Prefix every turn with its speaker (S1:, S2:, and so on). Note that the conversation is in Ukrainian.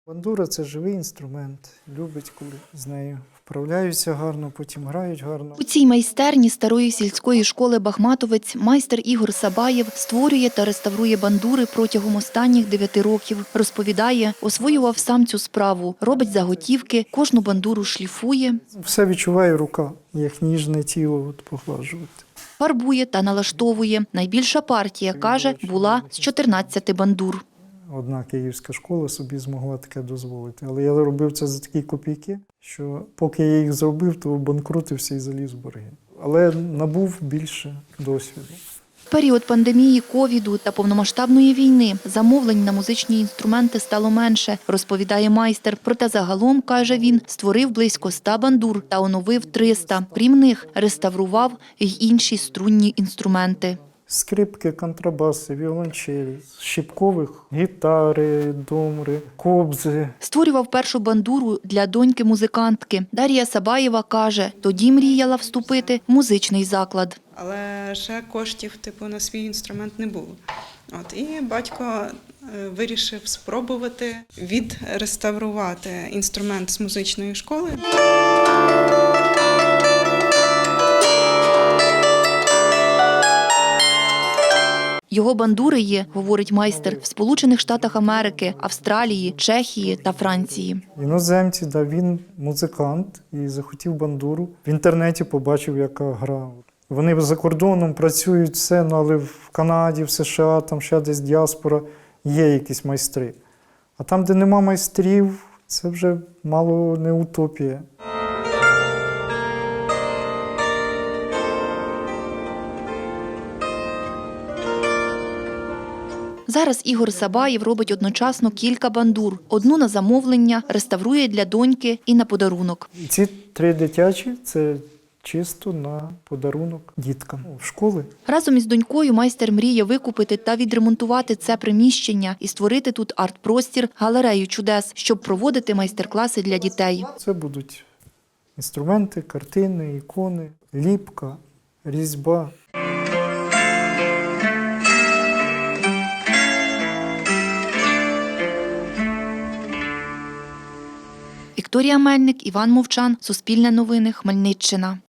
S1: Бандура – це живий інструмент, любить, коли з нею вправляються гарно, потім грають гарно.
S2: У цій майстерні старої сільської школи «Бахматовець» майстер Ігор Сабаєв створює та реставрує бандури протягом останніх 9 років. Розповідає, освоював сам цю справу, робить заготівки, кожну бандуру шліфує.
S1: Все відчуває рука, як ніжне тіло поглажувати.
S2: Фарбує та налаштовує. Найбільша партія, каже, була з 14 бандур.
S1: Одна київська школа собі змогла таке дозволити. Але я робив це за такі копійки, що поки я їх зробив, то банкрутився і заліз в борги. Але набув більше досвіду.
S2: В період пандемії, ковіду та повномасштабної війни замовлень на музичні інструменти стало менше, розповідає майстер. Проте загалом, каже він, створив близько 100 бандур та оновив 300. Крім них, реставрував й інші струнні інструменти.
S1: Скрипки, контрабаси, віолончелі, щіпкових, гітари, домри, кобзи.
S2: Створював першу бандуру для доньки-музикантки. Дар'я Сабаєва каже, тоді мріяла вступити в музичний заклад.
S3: Але ще коштів на свій інструмент не було. І батько вирішив спробувати відреставрувати інструмент з музичної школи.
S2: Його бандури є, говорить майстер, в Сполучених Штатах Америки, Австралії, Чехії та Франції.
S1: Іноземці, він музикант і захотів бандуру. В інтернеті побачив, яка гра. Вони за кордоном працюють все, але в Канаді, в США, там ще десь діаспора, є якісь майстри. А там, де нема майстрів, це вже мало не утопія.
S2: Зараз Ігор Сабаєв робить одночасно кілька бандур. Одну на замовлення, реставрує для доньки і на подарунок.
S1: Ці 3 дитячі – це чисто на подарунок діткам в школи.
S2: Разом із донькою майстер мріє викупити та відремонтувати це приміщення і створити тут арт-простір, галерею чудес, щоб проводити майстер-класи для дітей.
S1: Це будуть інструменти, картини, ікони, ліпка, різьба.
S2: Вікторія Мельник, Іван Мовчан, Суспільне новини, Хмельниччина.